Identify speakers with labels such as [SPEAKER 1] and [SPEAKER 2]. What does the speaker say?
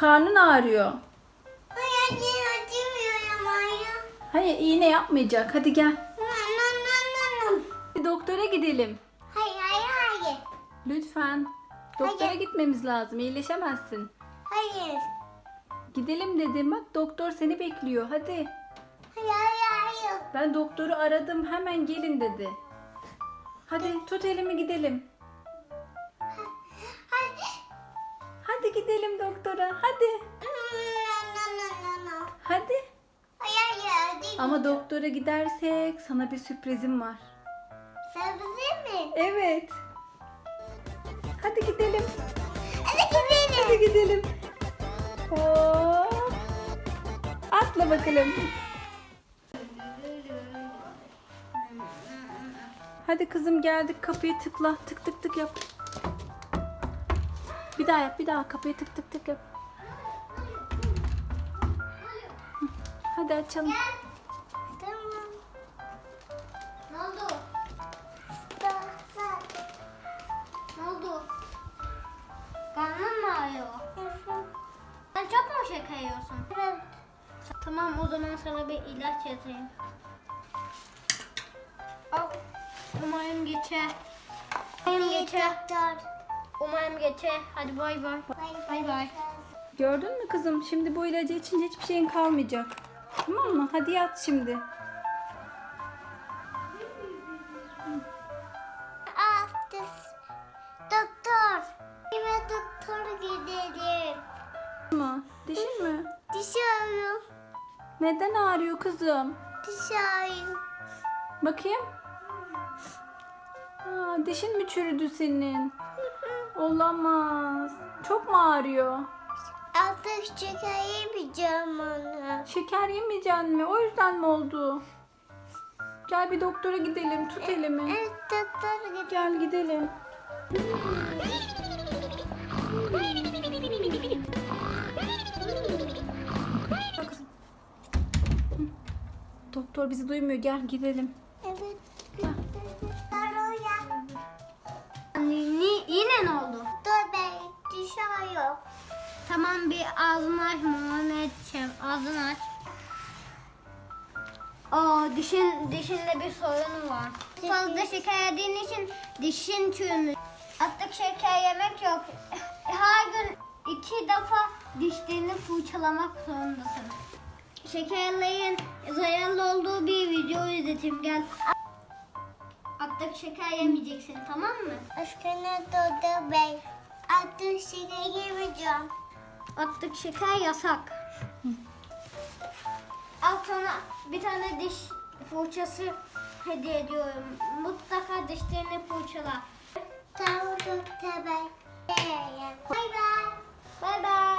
[SPEAKER 1] karnın ağrıyor.
[SPEAKER 2] Hayır, acımıyor ama ya.
[SPEAKER 1] Hayır, iğne yapmayacak. Hadi gel.
[SPEAKER 2] No.
[SPEAKER 1] Bir doktora gidelim.
[SPEAKER 2] Hayır.
[SPEAKER 1] Lütfen. Doktora
[SPEAKER 2] Hayır.
[SPEAKER 1] gitmemiz lazım. İyileşemezsin.
[SPEAKER 2] Hayır.
[SPEAKER 1] Gidelim dedim. Bak doktor seni bekliyor. Hadi.
[SPEAKER 2] Hayır.
[SPEAKER 1] Ben doktoru aradım. Hemen gelin dedi. Hadi tut elimi gidelim. Hadi gidelim doktora. Hadi.
[SPEAKER 2] No.
[SPEAKER 1] Hadi.
[SPEAKER 2] Hayır, değil.
[SPEAKER 1] Ama doktora gidersek sana bir sürprizim var.
[SPEAKER 2] Sebze mi?
[SPEAKER 1] Evet. Hadi gidelim.
[SPEAKER 2] Hadi gidelim.
[SPEAKER 1] Hadi gidelim. Hop. Atla bakalım. Hadi kızım geldik. Kapıyı tıkla. Tık tık tık yap. Bir daha yap. Bir daha kapıyı tık tık tık yap. Hadi açalım.
[SPEAKER 2] Tamam. Ne oldu? Ne oldu? Karnın mı ağrıyor? Sen çok mu şeker yiyorsun? Evet. Tamam, o zaman sana bir ilaç yazayım. Al. Umarım geçer. Umarım geçer. Hadi bay bay. Bay.
[SPEAKER 1] Gördün mü kızım? Şimdi bu ilacı içince hiçbir şeyin kalmayacak. Tamam mı? Hadi yat şimdi.
[SPEAKER 2] Doktor. Kime doktor gidelim?
[SPEAKER 1] Ama dişin mi?
[SPEAKER 2] Diş ağrıyor.
[SPEAKER 1] Neden ağrıyor kızım?
[SPEAKER 2] Diş ağrıyor.
[SPEAKER 1] Bakayım. Dişin mi çürüdü senin? Olamaz. Çok mu ağrıyor?
[SPEAKER 2] Artık şeker yemeyeceğim onu.
[SPEAKER 1] Şeker yemeyeceksin mi? O yüzden mi oldu? Gel bir doktora gidelim. Tut elimi.
[SPEAKER 2] Evet, doktor gidelim.
[SPEAKER 1] Gel gidelim. Bak kızım. Doktor bizi duymuyor. Gel gidelim.
[SPEAKER 2] Evet. Yine ne oldu? Dur be, diş ağrıyor. Tamam, bir ağzını aç, muayene edeceğim. Ağzını aç. Dişinde bir sorun var. Fazla şeker yediğin için dişin çürümüş. Artık şeker yemek yok. Her gün 2 defa dişlerini fırçalamak zorundasın. Şekerlerin zararlı olduğu bir video izleteyim, gel. Artık şeker yemeyeceksin, tamam mı? Aşkına Dodo Bey. Artık şeker yemeyeceğim. Artık şeker yasak. Al sana bir tane diş fırçası hediye ediyorum. Mutlaka dişlerini fırçala. Tamam Doktor Bey. Bay bay. Bay bay.